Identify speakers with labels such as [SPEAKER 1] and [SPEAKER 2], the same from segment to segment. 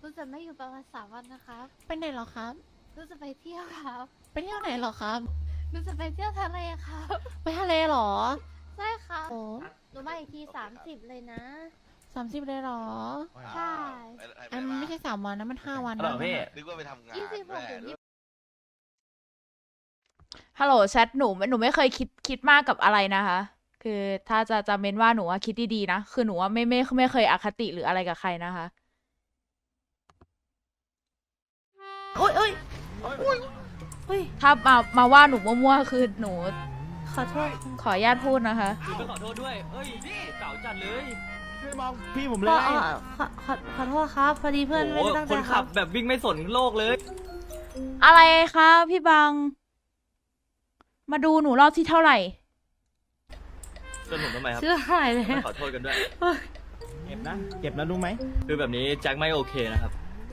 [SPEAKER 1] รู้จะไม่อยู่ประมาณ3 วันนะครับ
[SPEAKER 2] ไปไหนเหรอครับ
[SPEAKER 1] รู้จะไปเที่ยวครับ
[SPEAKER 2] ไปเที่ยวไหนเหรอครับ
[SPEAKER 1] รู้จะไปเที่ยวทะเลครับ
[SPEAKER 2] ไปทะเลเหรอ
[SPEAKER 1] ใช่ครับ
[SPEAKER 2] โอ้
[SPEAKER 1] หนูมาอีกที30เลยนะ
[SPEAKER 2] 30เลยเหรอ
[SPEAKER 1] ใช่
[SPEAKER 2] อันมันไม่ใช่3 วันนะมัน5 วัน
[SPEAKER 3] ฮัลโหล
[SPEAKER 2] นะ
[SPEAKER 3] พี่
[SPEAKER 4] นึกว่าไปทำงาน
[SPEAKER 1] 26 ถึง
[SPEAKER 5] ฮัลโหลแชทหนูไม่เคยคิดมากกับอะไรนะคะ คือถ้าจะเม้นว่าหนูว่าคิดดีๆนะ คือหนูว่าไม่เคยอคติหรืออะไรกับใครนะคะ
[SPEAKER 2] โอ้ยโอ้ยโอ้ย
[SPEAKER 5] ถ้ามาว่าหนูมั่วๆคือหนู
[SPEAKER 2] ขอโทษ
[SPEAKER 5] ขออนุญาตพูดนะคะ
[SPEAKER 3] พี่ขอโทษด้วยเอ้ยพี่เก่าจัดเลย
[SPEAKER 6] ช่วยมองพี่ผมเล
[SPEAKER 2] อ๋อย ขอโทษครับ พอดีเพื่อนไม่ได้ตั้งใจ
[SPEAKER 3] คน
[SPEAKER 2] ค
[SPEAKER 3] ขั
[SPEAKER 2] รั
[SPEAKER 3] บบ แบบวิ่งไม่สนโลกเลย
[SPEAKER 5] อะไรคะพี่บัง มาดูหนูรอบที่เท่าไหร่
[SPEAKER 3] จนผมทำไมครับ
[SPEAKER 2] ชื่ออะไรเลย
[SPEAKER 3] ไม่ขอโทษกันด้วย
[SPEAKER 6] เจ็บนะ เจ็บนะรู้ไหม
[SPEAKER 3] คือแบบนี้แจ็คไม่โอเคนะครับ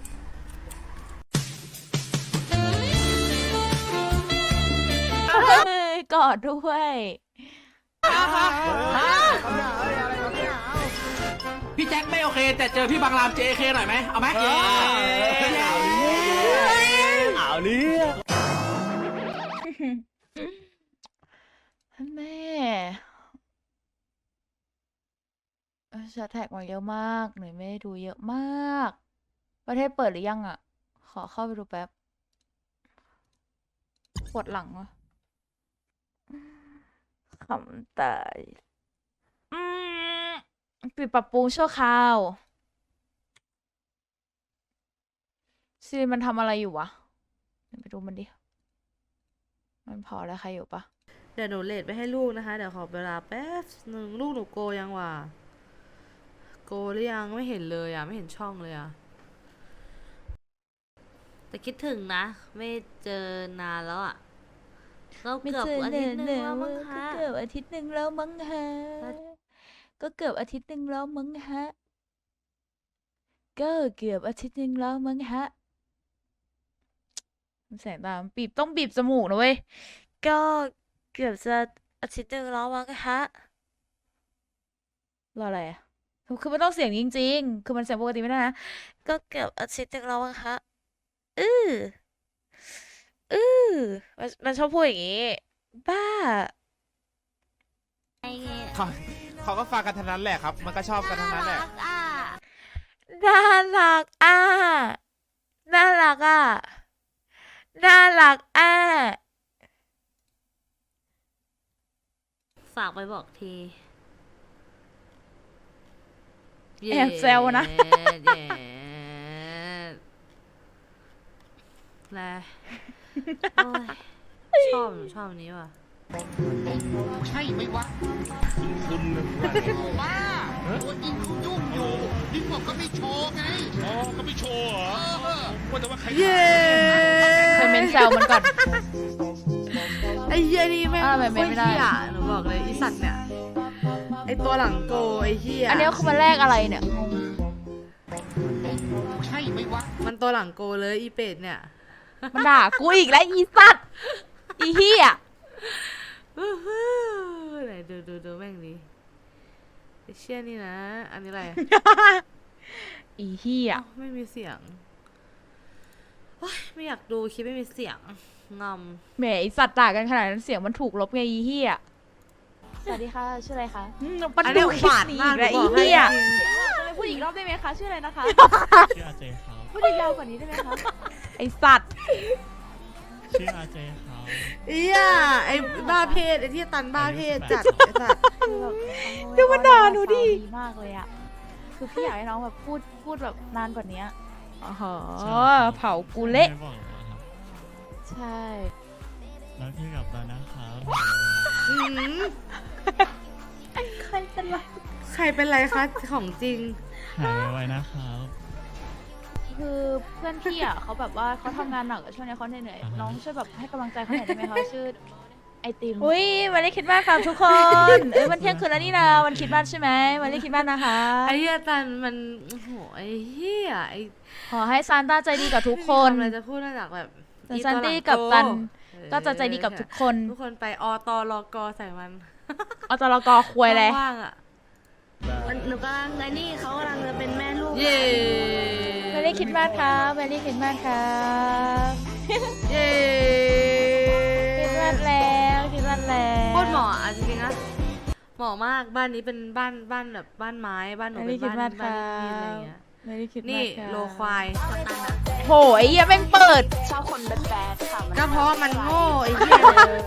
[SPEAKER 5] กอดด้วย
[SPEAKER 7] พี่แจ็คไม่โอเค แต่เจอพี่บางราม JK หน่อยไหมเอาไหม
[SPEAKER 3] เอาเรื่อง
[SPEAKER 5] แม่จะแท็กมาเยอะมากหนูไม่ได้ดูเยอะมาก ประเทศเปิดหรือยังอ่ะ ขอเข้าไปดูแป๊บ ปวดหลังวะคำตายปิดปรับปรุงชั่วคราวซีมันทำอะไรอยู่วะเดี๋ยวไปดูมันดิ มันพอแล้วใครอยู่ปะ
[SPEAKER 8] เดี๋ยวหนูเลทไปให้ลูกนะคะ เดี๋ยวขอเวลาแป๊บหนึ่งลูกหนูโกยังวะโกหรือยังไม่เห็นเลยอ่ะ ไม่เห็นช่องเลยอ่ะ แต่คิดถึงนะ ไม่เจอนานแล้วอ่ะก็เกือบอาทิตย์หนึงแล้วมั้งคะ
[SPEAKER 5] ก็เกือบอาทิตย์หนึ่งแล้วมั้งฮะ ก็เกือบอาทิตย์หนึ่งแล้วมั้งฮะ ก็เกือบอาทิตย์หนึ่งแล้วมั้งฮะแสงตามบีบต้องบีบจมูกนะเว้ย
[SPEAKER 8] ก็เกือบจะอาทิตย์หนึงแล้วมั้งคะ
[SPEAKER 5] รออะไรอ่ะ คือมันต้องเสียงจริงๆ คือมันเสียงปกติไม่ได้นะ
[SPEAKER 8] ก็เกือบอาทิตย์หนึงแล้วมั้งคะ
[SPEAKER 5] มันชอบพูดอย่างงี้ บ้า
[SPEAKER 6] เขาก็ฟังกันทั้งนั้นแหละครับ มันก็ชอบกันทั้งนั้นแหละ
[SPEAKER 5] น่ารักอ่ะ น่ารักอ่ะ น่ารักอ่ะ
[SPEAKER 8] ฝากไปบอกที
[SPEAKER 5] แอบแซวนะ
[SPEAKER 8] เย้แลโอ้ยชอบหนูชอบอันนี้ว่ะ
[SPEAKER 4] ใช่ไหมวะคุณบ้าตัวจริงเขายุ่งอยู่พี่ผมก็ไม่โชว์ไงอ๋อก็ไม่โชว์เหรอว่าแต่ว่าใคร
[SPEAKER 8] เย้
[SPEAKER 5] เคยเมนแซวมันก่อน
[SPEAKER 8] ไอ้เหี้ยนี่แม่ง
[SPEAKER 5] อะไรไม่ได้
[SPEAKER 8] โคตรเหี้ยหนูบอกเลยอีสัตว์เนี่ยไอ้ตัวหลังโกไอ้เหี้ย
[SPEAKER 5] อันนี้คือมันแรกอะไรเนี่ยงง
[SPEAKER 4] ใช่ไหมวะ
[SPEAKER 8] มันตัวหลังโกเลยอีเป็ดเนี่ย
[SPEAKER 5] มันด่ากูอีกแล้วอีสัตว์อีเหี้ย
[SPEAKER 8] ไหนดูแม่งดิไอ้เชี่ยนี่นะ อันนี้อะไร
[SPEAKER 5] อีเหี้ย
[SPEAKER 8] อ้าวไม่มีเสียงโอ๊ยไม่อยากดูคลิปไม่มีเสียงงอม
[SPEAKER 5] แหมอีสัตว์ด่ากันขนาดนั้นเสียงมันถูกลบไงอีเหี้ย สวัสดีค่ะ ชื่ออะไรคะมัน
[SPEAKER 8] อัน
[SPEAKER 5] ดู
[SPEAKER 8] นี้
[SPEAKER 5] คลิป
[SPEAKER 8] บาด
[SPEAKER 5] นี้
[SPEAKER 8] มา
[SPEAKER 5] อี
[SPEAKER 8] ก
[SPEAKER 5] กแล้ว
[SPEAKER 8] ห
[SPEAKER 5] อี
[SPEAKER 8] นูบอกให้
[SPEAKER 5] เหี้ย
[SPEAKER 8] จริง
[SPEAKER 5] พูดอีกรอบได้ไหมคะ ชื่ออะไรนะคะ
[SPEAKER 9] ชื่ออาเจครับ
[SPEAKER 5] พูดยาวกว่านี้ได้ไหมคะ ไอสัตว์
[SPEAKER 9] ชื่ออาเจครับ
[SPEAKER 8] เอี้ยไอ้บ้าเพศไอ้ที่ตันบ้าเพศจัดไอ้สัตว์
[SPEAKER 5] ดูมันด่าหนูดิมากเลยอ่ะ คือพี่อยากให้น้องแบบพูดแบบนานกว่านี้อ๋อเผากูเละ
[SPEAKER 9] ไม่บอกเหรอครับ
[SPEAKER 5] ใช่
[SPEAKER 9] แล้วพี่กลับแล้วนะครับ
[SPEAKER 8] หืม
[SPEAKER 5] ใครเป็นไร
[SPEAKER 8] ใครเป็นไรคะของจริง
[SPEAKER 9] หายไวๆนะครับ
[SPEAKER 5] คือเพื่อนพี่อ่ะเขาแบบว่าเขาทำงานหนักอะช่วงนี้เขาเหนื่อยๆน้องช่วยแบบให้กำลังใจเขาหน่อยได้ไหมคะ ชื่อไอติมอุ้ยวันนี้คิดมากครับทุกคน มันเที่ยงคืนแล้วนี่นะวันคิดมากใช่ไหมวันนี้คิดมากนะคะ
[SPEAKER 8] ไอ้เหี้ยตันมันโอ้โหไอ้เหี้ยไอ้
[SPEAKER 5] ขอให้ซานต้าใจดีกับทุกคน
[SPEAKER 8] ไม่มีำอะไรจะพูดนอกจากแบบ
[SPEAKER 5] แต่ซานตี้กับตันก็จะใจดีกับทุกคน
[SPEAKER 8] ทุกคนไปอตลกใส่มัน
[SPEAKER 5] เอาตลกอควยเลย
[SPEAKER 8] ว่างๆอ่ะ
[SPEAKER 1] หนูกำลังไอ้นี่เขากำลังจะเป็นแม่ลูก
[SPEAKER 8] เย้
[SPEAKER 5] ไม่ได้รี่คริสต์มาสครับเมรี่คริสต์มาสครับ
[SPEAKER 8] เย้
[SPEAKER 5] คริสต์มาสแล้วคริสต์มาสแล้ว
[SPEAKER 8] โคตรเหมาะอ่ะจริงๆนะเหมาะมากบ้านนี้เป็นบ้านแบบบ้านไม้บ้านหนูเป็นบ้านบ้านดินอะไรอย่างเงี้ย
[SPEAKER 5] เมรี่คริสต์มาส
[SPEAKER 8] นี่
[SPEAKER 5] ครับ
[SPEAKER 8] โลควาย
[SPEAKER 5] โหไอ้เหี้ยแม่งเปิด
[SPEAKER 8] ก็เพราะว่ามันโง่ไอ้เหี้ย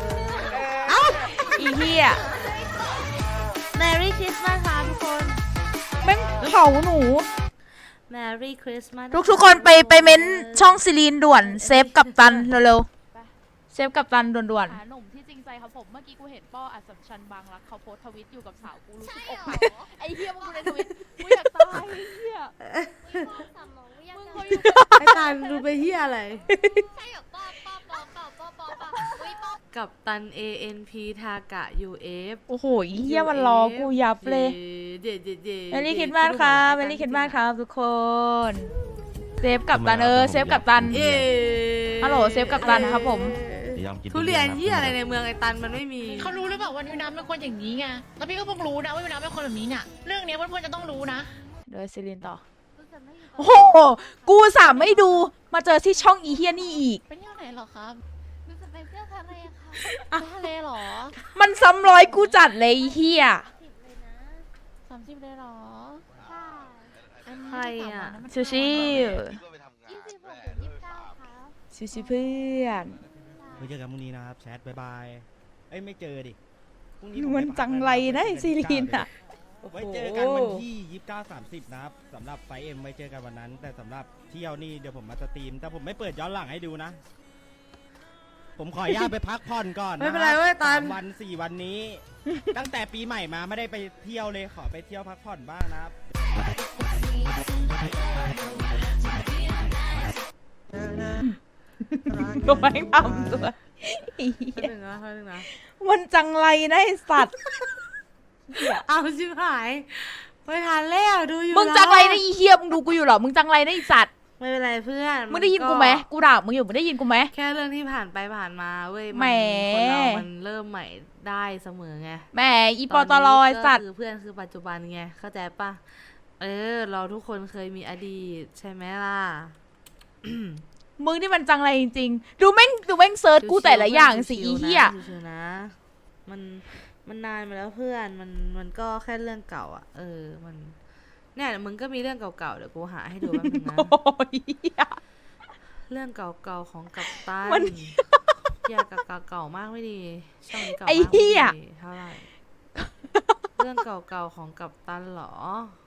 [SPEAKER 5] อีเหี้ย
[SPEAKER 8] Merry Christmas ค่ะทุกคน
[SPEAKER 5] แม่งเผาหนู
[SPEAKER 8] Merry Christmas
[SPEAKER 5] ทุกคนไปเม้นช่องซิลีนด่วนเซฟกับตันเร็วๆเซฟกับตันด่วนๆหนุ่มที่จริงใจครับผมเมื่อกี้กูเห็นป้ออัศชันบางรักเขาโพสทวิตอยู่กับสาวกูรู้สึกอกหักไอ้เหี้ยมึงดูในทวิตกูอยากตายไอ้เหี้ยมึงเคยอยู่
[SPEAKER 8] ไอ้ตาลดูไปเหี้ยอะไร
[SPEAKER 1] ใช่เหรอป้าอุ้ยป้า
[SPEAKER 8] กับตัน ANP ทากะ UF
[SPEAKER 5] โอ้โหไอ้เหี้ยมันรอกูยับเลย
[SPEAKER 8] เย่เย่เย่
[SPEAKER 5] เมรี่คริสต์มาสครับเมรี่คริสต์มาสครับทุกคนเซฟกับตันเซฟกับตัน
[SPEAKER 8] เย่
[SPEAKER 5] ฮัลโหลเซฟกับตันครับผม
[SPEAKER 8] ทุเรียนเหี้ยอะไรในเมืองไอ้ตันมันไม่มี
[SPEAKER 10] เขารู้หรือเปล่าว่าวิวน้ำเป็นคนอย่างนี้ไง แล้วพี่ก็เพิ่งรู้นะว่าวิวน้ำเป็นคนแบบนี้เนี่ย เรื่องเนี้ยเพื่อนๆจะต้องรู้นะ
[SPEAKER 5] เดี๋ยวซิลีนต่อ
[SPEAKER 1] รู้สึกไม่อยู่
[SPEAKER 5] โอ้โหกูสามไม่ดูมาเจอที่ช่องอีเฮียนี่อีก
[SPEAKER 10] เป็นยังไงเหรอครับ
[SPEAKER 1] รู้สึกไปเที่ยวทะเลค่ะ
[SPEAKER 10] ไปทะเลเหรอ
[SPEAKER 5] มันซ้ำร้อยกูจัดเลยไอ้เฮีย
[SPEAKER 1] 10เลยนะ
[SPEAKER 10] 30เลยเหรอ
[SPEAKER 1] ใช่
[SPEAKER 8] ใครอ่ะ
[SPEAKER 5] ชิวชิว
[SPEAKER 1] 26 ถึง 29ครับ
[SPEAKER 5] ชิวชิวเพื่อน
[SPEAKER 9] ไว้เจอกันพรุ่งนี้นะครับแชทบายบาย เอ้ยไม่เจอดิพรุ่งนี้
[SPEAKER 5] มันจังไรนะไอ้ซีลีนอ่ะ
[SPEAKER 9] ไว้เจอกันวันที่29-30นะครับสำหรับไฟเอ็มไว้เจอกันวันนั้น แต่สำหรับเที่ยวนี่เดี๋ยวผมมาสตรีม แต่ผมไม่เปิดย้อนหลังให้ดูนะ ผมขออนุญาตไปพักผ่อนก่อน
[SPEAKER 8] ไม่เป็นไรเว้ยตัน
[SPEAKER 9] 3 วัน 4 วันนี้ ตั้งแต่ปีใหม่มาไม่ได้ไปเที่ยวเลยขอไปเที่ยวพักผ่อนบ้างนะครับ
[SPEAKER 5] ก็ไม่งทำตัวไอ้เหี้
[SPEAKER 8] แป๊บ
[SPEAKER 5] ย
[SPEAKER 8] นึงนะแป๊บนึงนะ
[SPEAKER 5] มันจังไรนะไอ้สัตว์
[SPEAKER 8] เอาชิบหายไปทานแล้วดูอยู่
[SPEAKER 5] มึงจังไรนะอีเฮียมึงดูกูอยู่เหรอมึงจังไรนะไอ้สัตว์
[SPEAKER 8] ไม่เป็นไรเพื่อน
[SPEAKER 5] มึงได้ยินกูไหมกูด่ามึงอยู่มึงได้ยินกูไหม
[SPEAKER 8] แค่เรื่องที่ผ่านไปผ่านมาเว้ย
[SPEAKER 5] แหม
[SPEAKER 8] คนเรามันเริ่มใหม่ได้เสมอไง
[SPEAKER 5] แหมอีปอตลอยสัตว์
[SPEAKER 8] ก็คือเพื่อนคือปัจจุบันไงเข้าใจปะเราทุกคนเคยมีอดีตใช่ไหมล่ะ
[SPEAKER 5] มึงนี่มันจังไรจริงๆดูแม่งเซิร์ชกูแต่ละอย่างสิอีเฮีย
[SPEAKER 8] ชิวๆนะมันนานมาแล้วเพื่อนมันก็แค่เรื่องเก่าอ่ะมันเนี่ยมึงก็มีเรื่องเก่าๆเดี๋ยวกูหาให้ดูแป๊บนึงนะ
[SPEAKER 5] โอ้ยเหี้ย
[SPEAKER 8] เรื่องเก่าๆของกัปตัน
[SPEAKER 5] มัน
[SPEAKER 8] อย่าเก่ามากไม่ดีช่องนี้เก่ามาก
[SPEAKER 5] ไอ้
[SPEAKER 8] ไม่
[SPEAKER 5] เหี้ย
[SPEAKER 8] ดีเท่าไหร่เรื่องเก่าๆของกัปตันเหรอ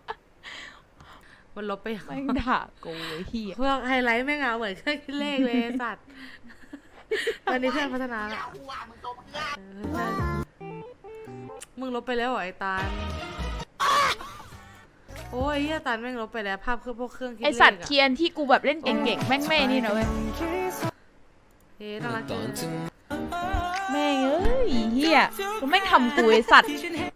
[SPEAKER 8] มันลบไปยัง
[SPEAKER 5] แม่งด่ากูไอ้เฮีย
[SPEAKER 8] พวกไฮไลท์แม่งเอาเหมือนเครื่องคิดเลขเลยไอ้สัตว์วันนี้เพื่อนพัฒนาละมึงลบไปแล้วเหรอไอ้ตาลโอ้ยเฮียตาลแม่งลบไปแล้วภาพคือพวกเครื่องคิดเล
[SPEAKER 5] ไอ
[SPEAKER 8] ข
[SPEAKER 5] สัตว์เคียนที่กูแบบเล่นเก่งๆแม่งไม่นี่นะเว้ย
[SPEAKER 8] น่ารักจัง
[SPEAKER 5] แม่งเอ้ยเฮียกูแม่งทำกูไอสัตว์